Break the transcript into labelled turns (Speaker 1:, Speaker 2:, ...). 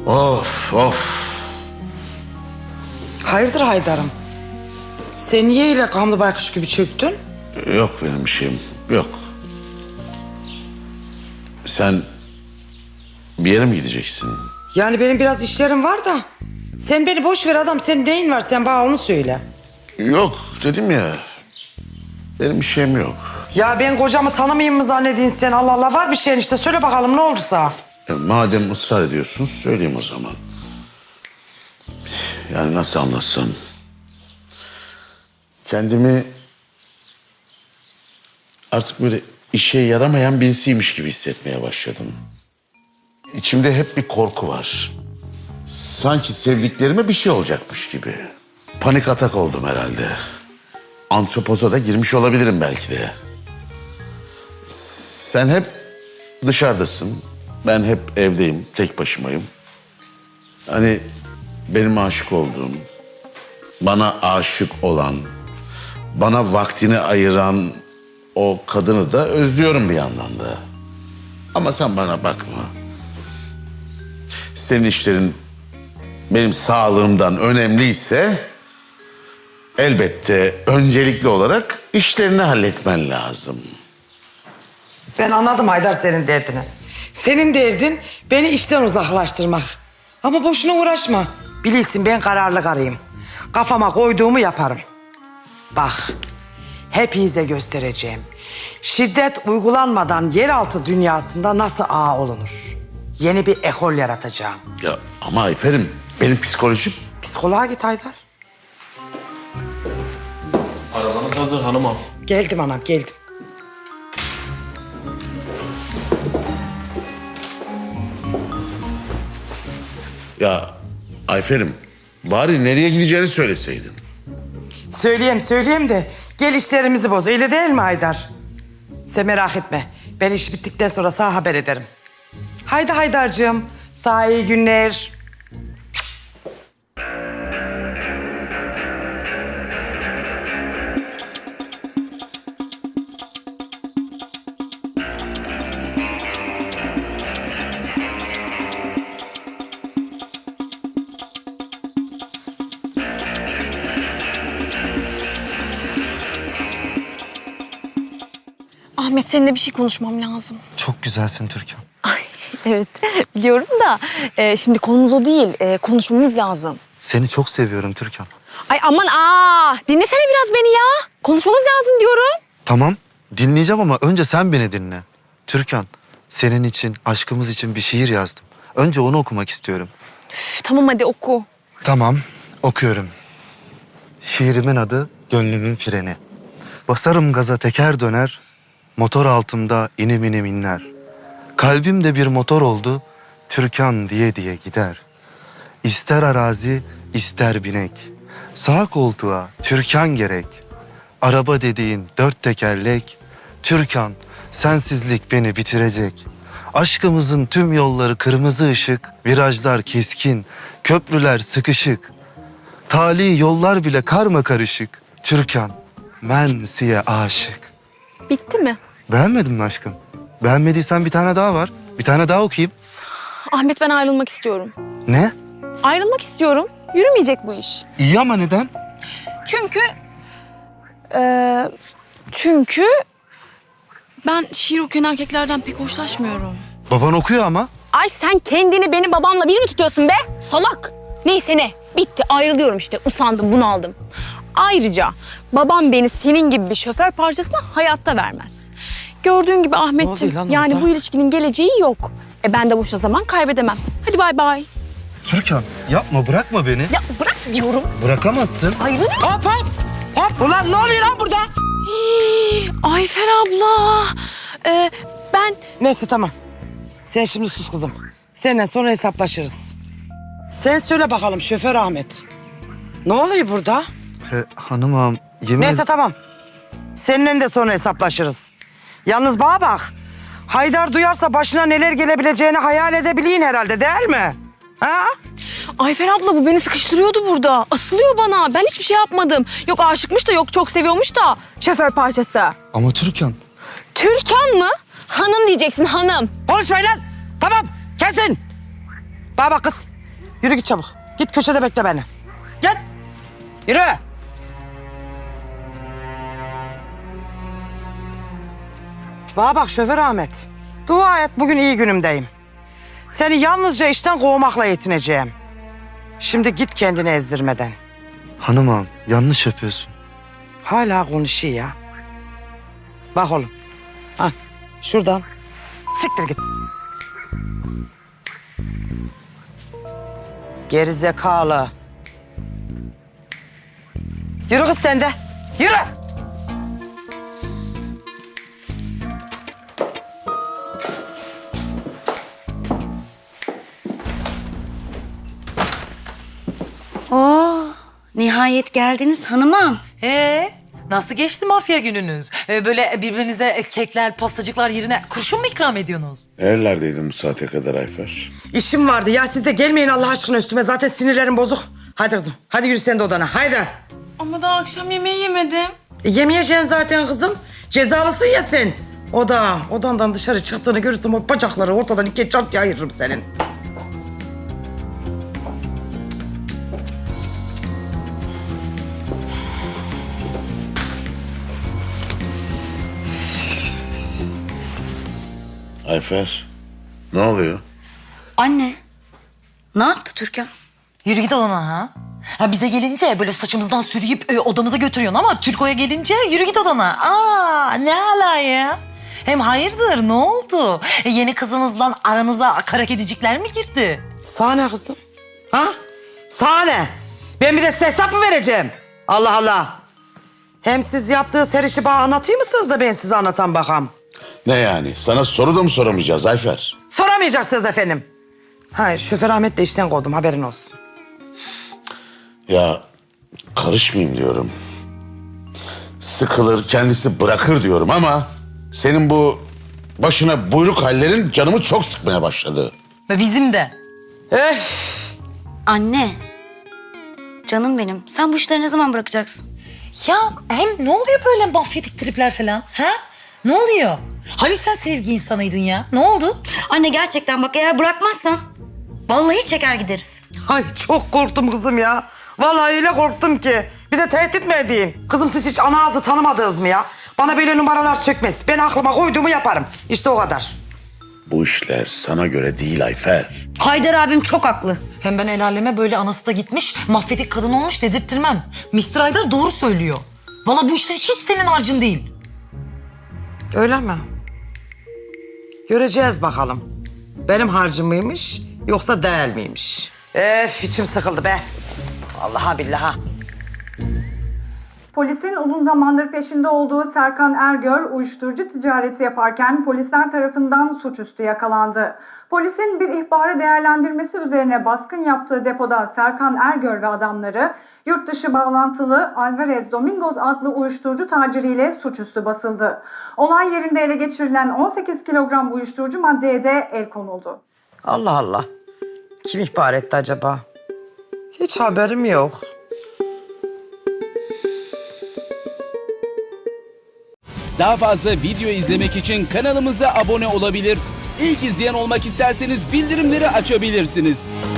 Speaker 1: Of of.
Speaker 2: Hayırdır Haydar'ım? Sen niye öyle kamlı baykuş gibi çöktün?
Speaker 1: Yok benim bir şeyim. Yok. Sen bir yere mi gideceksin?
Speaker 2: Yani benim biraz işlerim var da. Sen beni boş ver adam. Senin neyin var? Sen bana onu söyle.
Speaker 1: Yok dedim ya. Benim bir şeyim yok.
Speaker 2: Ya ben kocamı tanımayayım mı zannediyorsun sen? Allah Allah var bir şeyin işte. Söyle bakalım ne olduysa.
Speaker 1: Madem ısrar ediyorsun söyleyeyim o zaman. Yani nasıl anlatsam. Kendimi artık böyle işe yaramayan birisiymiş gibi hissetmeye başladım. İçimde hep bir korku var. Sanki sevdiklerime bir şey olacakmış gibi. Panik atak oldum herhalde. Antropoza da girmiş olabilirim belki de. Sen hep dışarıdasın. Ben hep evdeyim, tek başımayım. Hani benim aşık olduğum, bana aşık olan, bana vaktini ayıran o kadını da özlüyorum bir yandan da. Ama sen bana bakma. Senin işlerin benim sağlığımdan önemliyse elbette öncelikli olarak işlerini halletmen lazım.
Speaker 2: Ben anladım Haydar senin derdini. Senin derdin beni işten uzaklaştırmak. Ama boşuna uğraşma. Bilirsin ben kararlı karıyım. Kafama koyduğumu yaparım. Bak, hepinize göstereceğim. Şiddet uygulanmadan yeraltı dünyasında nasıl ağa olunur? Yeni bir ekol yaratacağım.
Speaker 1: Ya ama Ayfer'im benim psikolojim...
Speaker 2: Psikoloğa git Haydar.
Speaker 3: Arabanız hazır hanımam.
Speaker 2: Geldim anam, geldim.
Speaker 1: Ya Ayfer'im bari nereye gideceğini söyleseydin.
Speaker 2: Söyleyeyim de gel işlerimizi boz. Öyle değil mi Haydar? Sen merak etme. Ben iş bittikten sonra sana haber ederim. Haydi Haydar'cığım. Sana iyi günler.
Speaker 4: Ahmet seninle bir şey konuşmam lazım.
Speaker 5: Çok güzelsin Türkan.
Speaker 4: Ay, evet biliyorum da şimdi konumuz o değil. Konuşmamız lazım.
Speaker 5: Seni çok seviyorum Türkan.
Speaker 4: Ay aman dinlesene biraz beni ya. Konuşmamız lazım diyorum.
Speaker 5: Tamam, dinleyeceğim ama önce sen beni dinle. Türkan, senin için, aşkımız için bir şiir yazdım. Önce onu okumak istiyorum.
Speaker 4: Üf, tamam hadi oku.
Speaker 5: Tamam, okuyorum. Şiirimin adı Gönlümün Freni. Basarım gaza teker döner, motor altımda inim inim inler. Kalbimde bir motor oldu, Türkan diye diye gider. İster arazi, ister binek. Sağ koltuğa Türkan gerek. Araba dediğin dört tekerlek. Türkan, sensizlik beni bitirecek. Aşkımızın tüm yolları kırmızı ışık, virajlar keskin, köprüler sıkışık. Tali yollar bile karma karışık. Türkan, ben size aşık.
Speaker 4: Bitti mi?
Speaker 5: Beğenmedin mi aşkım? Beğenmediysen bir tane daha var. Bir tane daha okuyayım.
Speaker 4: Ahmet ben ayrılmak istiyorum.
Speaker 5: Ne?
Speaker 4: Ayrılmak istiyorum. Yürümeyecek bu iş.
Speaker 5: İyi ama neden?
Speaker 4: Çünkü ben şiir okuyan erkeklerden pek hoşlaşmıyorum.
Speaker 5: Baban okuyor ama.
Speaker 4: Ay sen kendini benim babamla bir mi tutuyorsun be? Salak. Neyse ne. Bitti ayrılıyorum işte. Usandım bunaldım. Ayrıca babam beni senin gibi bir şoför parçasına hayatta vermez. Gördüğün gibi Ahmetciğim
Speaker 2: Ne oluyor lan
Speaker 4: yani
Speaker 2: orada?
Speaker 4: bu ilişkinin geleceği yok. Ben de boşuna zaman kaybedemem. Hadi bay bay.
Speaker 5: Türkan yapma, bırakma beni.
Speaker 4: Ya bırak diyorum.
Speaker 5: Bırakamazsın.
Speaker 4: Ayrılıyorum.
Speaker 2: Hop hop. Hop. Ulan ne oluyor lan burada?
Speaker 4: Ayfer abla. Ben
Speaker 2: Neyse tamam. Sen şimdi sus kızım. Seninle sonra hesaplaşırız. Sen söyle bakalım şoför Ahmet. Ne oluyor burada?
Speaker 5: Hanım ağam yemin
Speaker 2: Neyse tamam. Seninle de sonra hesaplaşırız. Yalnız bana bak. Haydar duyarsa başına neler gelebileceğini hayal edebileyim herhalde değil mi? Ha?
Speaker 4: Ayfer abla bu beni sıkıştırıyordu burada. Asılıyor bana. Ben hiçbir şey yapmadım. Yok aşıkmış da yok çok seviyormuş da. Şoför parçası.
Speaker 5: Ama Türkan.
Speaker 4: Türkan mı? Hanım diyeceksin hanım.
Speaker 2: Konuşmayın lan. Tamam kesin. Bana bak kız. Yürü git çabuk. Git köşede bekle beni. Git. Yürü. Bana bak şoför Ahmet. Dua et bugün iyi günümdeyim. Seni yalnızca işten kovmakla yetineceğim. Şimdi git kendini ezdirmeden.
Speaker 5: Hanım ağam yanlış yapıyorsun.
Speaker 2: Hala konuşuyor ya. Bak oğlum. Ha, şuradan. Siktir git. Geri zekalı. Yürü kız sen de. Yürü.
Speaker 6: Nihayet geldiniz hanımım.
Speaker 7: Nasıl geçti mafya gününüz? Böyle birbirinize kekler, pastacıklar yerine kurşun mu ikram ediyorsunuz?
Speaker 1: Nerelerdeydin bu saate kadar Ayfer?
Speaker 2: İşim vardı ya siz de gelmeyin Allah aşkına üstüme. Zaten sinirlerim bozuk. Hadi kızım. Hadi yürü sen de odana. Haydi.
Speaker 4: Ama daha akşam yemeği yemedim.
Speaker 2: Yemeyeceksin zaten kızım. Cezalısın ya sen. Odandan dışarı çıktığını görürsem o bacakları ortadan ikiye çat ayırırım senin.
Speaker 1: Ayfer, ne oluyor?
Speaker 6: Anne, ne yaptı Türkan?
Speaker 7: Yürü git odana ha. Ha bize gelince böyle saçımızdan sürüyüp odamıza götürüyorsun ama Türko'ya gelince yürü git odana. Ne ala ya? Hem hayırdır ne oldu? Yeni kızınızla aranıza kara kedicikler mi girdi?
Speaker 2: Sahne kızım. Ha? Sahne. Ben bir de size hesap mı vereceğim? Allah Allah. Hem siz yaptığı her işi bana anlatayım mısınız da ben size anlatan bakam?
Speaker 1: Ne yani? Sana soru da mı soramayacağız Ayfer?
Speaker 2: Soramayacaksınız efendim. Hayır, şoför Ahmet de işten kovdum, haberin olsun.
Speaker 1: Ya karışmayayım diyorum. Sıkılır, kendisi bırakır diyorum ama... ...senin bu başına buyruk hallerin canımı çok sıkmaya başladı.
Speaker 7: Ve bizim de.
Speaker 6: Anne, canım benim. Sen bu işleri ne zaman bırakacaksın?
Speaker 7: Ya hem ne oluyor böyle mafyatik tripler falan? Ha? Ne oluyor? Hani sen sevgi insanıydın ya? Ne oldu?
Speaker 6: Anne gerçekten bak eğer bırakmazsan vallahi çeker gideriz.
Speaker 2: Ay çok korktum kızım ya. Vallahi öyle korktum ki. Bir de tehdit mi edeyim? Kızım siz hiç ana ağzı tanımadınız mı ya? Bana böyle numaralar sökmez. Ben aklıma koyduğumu yaparım. İşte o kadar.
Speaker 1: Bu işler sana göre değil Ayfer.
Speaker 6: Haydar abim çok haklı.
Speaker 7: Hem ben el aleme böyle anası da gitmiş, mafyatik kadın olmuş dedirttirmem. Mr. Haydar doğru söylüyor. Vallahi bu işler hiç senin harcın değil.
Speaker 2: Öyle mi? Göreceğiz bakalım. Benim harcım mıymış yoksa değil miymiş? İçim sıkıldı be. Vallahi billahi.
Speaker 8: Polisin uzun zamandır peşinde olduğu Serkan Ergör uyuşturucu ticareti yaparken polisler tarafından suçüstü yakalandı. Polisin bir ihbarı değerlendirmesi üzerine baskın yaptığı depoda Serkan Ergör ve adamları yurt dışı bağlantılı Alvarez Domingos adlı uyuşturucu taciriyle suçüstü basıldı. Olay yerinde ele geçirilen 18 kilogram uyuşturucu maddeye de el konuldu.
Speaker 2: Allah Allah. Kim ihbar etti acaba? Hiç haberim yok.
Speaker 9: Daha fazla video izlemek için kanalımıza abone olabilir. İlk izleyen olmak isterseniz bildirimleri açabilirsiniz.